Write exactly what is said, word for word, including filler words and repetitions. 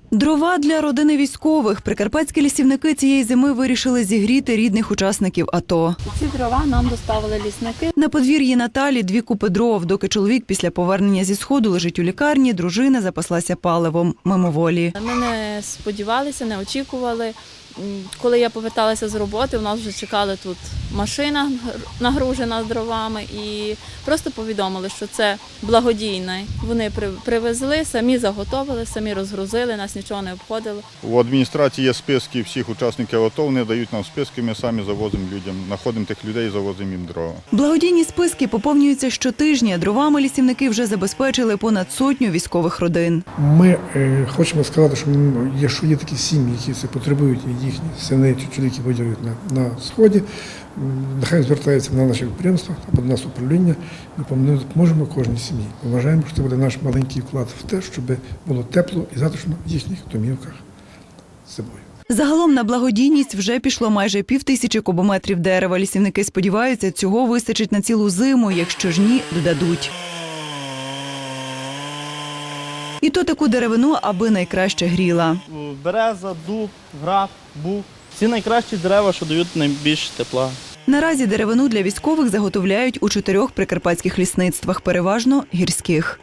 Дрова для родини військових. Прикарпатські лісівники цієї зими вирішили зігріти рідних учасників АТО. Ці дрова нам доставили лісники. На подвір'ї Наталі дві купи дров. Доки чоловік після повернення зі Сходу лежить у лікарні, дружина запаслася паливом мимоволі. Ми не сподівалися, не очікували. Коли я поверталася з роботи, у нас вже чекала тут машина нагружена дровами і просто повідомили, що це благодійне. Вони привезли, самі заготовили, самі розгрузили, нас нічого не обходило. У адміністрації є списки всіх учасників АТО, вони дають нам списки, ми самі завозимо людям, знаходимо тих людей і завозимо їм дрова. Благодійні списки поповнюються щотижня. Дровами лісівники вже забезпечили понад сотню військових родин. Ми е, хочемо сказати, що якщо є такі сім'ї, які це потребують, їхні сини чи чоловіки воюють на, на Сході, нехай звертаються на наші підприємства або до нас управління, ми допоможемо кожній сім'ї. Ми вважаємо, що це буде наш маленький вклад в те, щоб було тепло і затишно в їхніх домівках з собою. Загалом на благодійність вже пішло майже півтисячі кубометрів дерева. Лісівники сподіваються, цього вистачить на цілу зиму, якщо ж ні, додадуть. І то таку деревину, аби найкраще гріла. Береза, дуб, граб, бук – всі найкращі дерева, що дають найбільше тепла. Наразі деревину для військових заготовляють у чотирьох прикарпатських лісництвах, переважно гірських.